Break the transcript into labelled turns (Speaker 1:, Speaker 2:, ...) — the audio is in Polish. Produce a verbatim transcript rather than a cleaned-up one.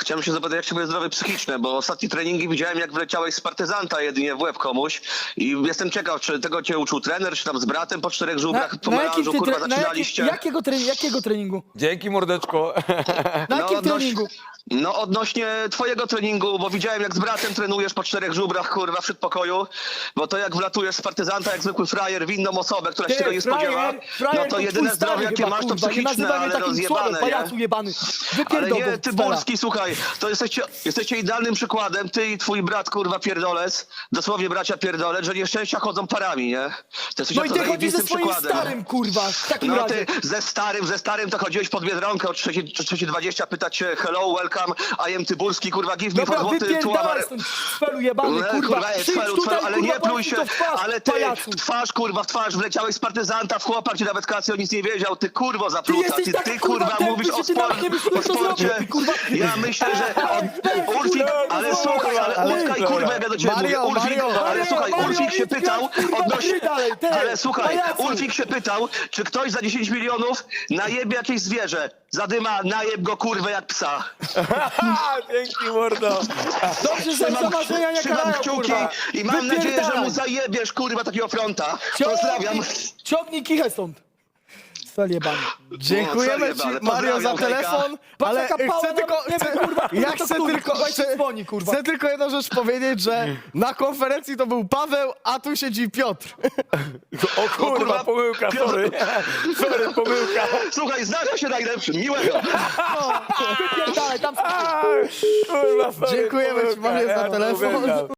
Speaker 1: chciałem się zapytać, jak się moje zdrowie psychiczne, bo ostatnie treningi widziałem, jak wleciałeś z partyzanta jedynie w łeb komuś i jestem ciekaw, czy tego cię uczył trener, czy tam z bratem po czterech żubrach, po melanżu,
Speaker 2: ty
Speaker 1: kurwa,
Speaker 2: tre- na
Speaker 1: zaczynaliście?
Speaker 2: jakim, jakiego, tre- jakiego treningu?
Speaker 3: Dzięki, mordeczko.
Speaker 2: Na jakim
Speaker 1: odnoś-
Speaker 2: treningu?
Speaker 1: No odnośnie twojego treningu, bo widziałem, jak z bratem trenujesz po czterech żubrach, kurwa, w przedpokoju, bo to jak wlatujesz z partyzanta, jak zwykły frajer w inną osobę, która się tego nie spodziewa, no to jedyne zdrowie, jakie masz, to psychiczne, ale rozjebane, nie?
Speaker 2: pajacu jebany.
Speaker 1: Ale
Speaker 2: Wypierdol
Speaker 1: nie,
Speaker 2: go,
Speaker 1: ty
Speaker 2: Stella.
Speaker 1: Burski, słuchaj, to jesteście, jesteście idealnym przykładem, ty i twój brat, kurwa, pierdolec, dosłownie bracia pierdolec, że nieszczęścia chodzą parami, nie? To jesteś
Speaker 2: No i
Speaker 1: to
Speaker 2: ty chodzisz ze
Speaker 1: zajebistym
Speaker 2: swoim
Speaker 1: przykładem.
Speaker 2: starym, kurwa, w takim
Speaker 1: No
Speaker 2: razie.
Speaker 1: ty ze starym, ze starym to chodziłeś pod Biedronkę o trzeciej dwadzieścia, pytać się hello, welcome, I am Tyburski, kurwa, give me
Speaker 2: Dobra,
Speaker 1: for złoty
Speaker 2: wypierdalaj stąd, cfelu jebany,
Speaker 1: No,
Speaker 2: kurwa.
Speaker 1: ej,
Speaker 2: Przyjdź
Speaker 1: cfelu,
Speaker 2: tutaj,
Speaker 1: cfelu, ale
Speaker 2: kurwa,
Speaker 1: nie pluj
Speaker 2: powiedz mi
Speaker 1: się,
Speaker 2: to w twarz,
Speaker 1: ale ty
Speaker 2: pajacu.
Speaker 1: w twarz, kurwa, w twarz wleciałeś z partyzanta, w chłopak ci nawet kasy, on nic nie wiedział, ty kurwo
Speaker 2: Ty
Speaker 1: zapluta,
Speaker 2: jesteś
Speaker 1: ty,
Speaker 2: taki,
Speaker 1: ty
Speaker 2: kurwa,
Speaker 1: kurwa
Speaker 2: tępy,
Speaker 1: mówisz
Speaker 2: że
Speaker 1: o,
Speaker 2: ty nawet
Speaker 1: spor-
Speaker 2: nie wiesz,
Speaker 1: o
Speaker 2: kto to
Speaker 1: sporcie.
Speaker 2: zrobił, ty, kurwa.
Speaker 1: Ja myślę, że on,
Speaker 2: Weź,
Speaker 1: Ulfik,
Speaker 2: kurwa,
Speaker 1: ale
Speaker 2: kurwa,
Speaker 1: słuchaj, ale
Speaker 3: ale-
Speaker 1: Ulfik, kurwa, jak ja do ciebie
Speaker 4: Mario,
Speaker 1: mówię, Ulfik,
Speaker 4: Mario,
Speaker 1: ale
Speaker 2: Mario,
Speaker 1: słuchaj,
Speaker 2: Mario,
Speaker 1: Ulfik się
Speaker 2: idź
Speaker 1: pytał
Speaker 2: kurwa,
Speaker 1: odnośnie,
Speaker 2: idź dalej, ty,
Speaker 1: ale słuchaj,
Speaker 2: pajacu.
Speaker 1: Ulfik się pytał, czy ktoś za dziesięć milionów najebie jakieś zwierzę, zadyma, najeb go kurwę jak psa.
Speaker 3: Dzięki, mordo.
Speaker 2: Dobrze, że za marzenia nie
Speaker 1: Trzymam
Speaker 2: karają,
Speaker 1: kciuki
Speaker 2: kurwa.
Speaker 1: i mam nadzieję, że
Speaker 2: Wypierdalaj.
Speaker 1: mu zajebiesz, kurwa, takiego fronta.
Speaker 2: Ciągnij-
Speaker 1: Pozdrawiam.
Speaker 2: Ciągnij kichę stąd. Cfel jebany.
Speaker 4: Dziękujemy
Speaker 1: No,
Speaker 4: ci,
Speaker 1: sorry,
Speaker 4: Mario, za
Speaker 1: pozdrawiam,
Speaker 4: telefon,
Speaker 2: Patrz,
Speaker 4: ale
Speaker 2: jaka pała,
Speaker 4: chcę
Speaker 2: nawet
Speaker 4: tylko,
Speaker 2: nie
Speaker 4: chcę,
Speaker 2: wiem, kurwa,
Speaker 4: ja
Speaker 2: kto
Speaker 4: chcę
Speaker 2: który,
Speaker 4: tylko,
Speaker 2: kurwa, i
Speaker 4: chcę,
Speaker 2: dzwoni, kurwa.
Speaker 4: chcę tylko jedną rzecz powiedzieć, że na konferencji to był Paweł, a tu siedzi Piotr.
Speaker 3: O kurwa,
Speaker 1: kurwa,
Speaker 3: pomyłka,
Speaker 1: Piotr.
Speaker 3: sorry. Sorry, pomyłka.
Speaker 1: Słuchaj, zdarza się najlepszym, miłego.
Speaker 2: Wypierdalaj, tam
Speaker 3: Kurwa, sorry,
Speaker 4: Dziękujemy ci,
Speaker 3: pomyłka.
Speaker 4: Mario, za
Speaker 3: Ja to
Speaker 4: telefon.
Speaker 3: uwielbiam.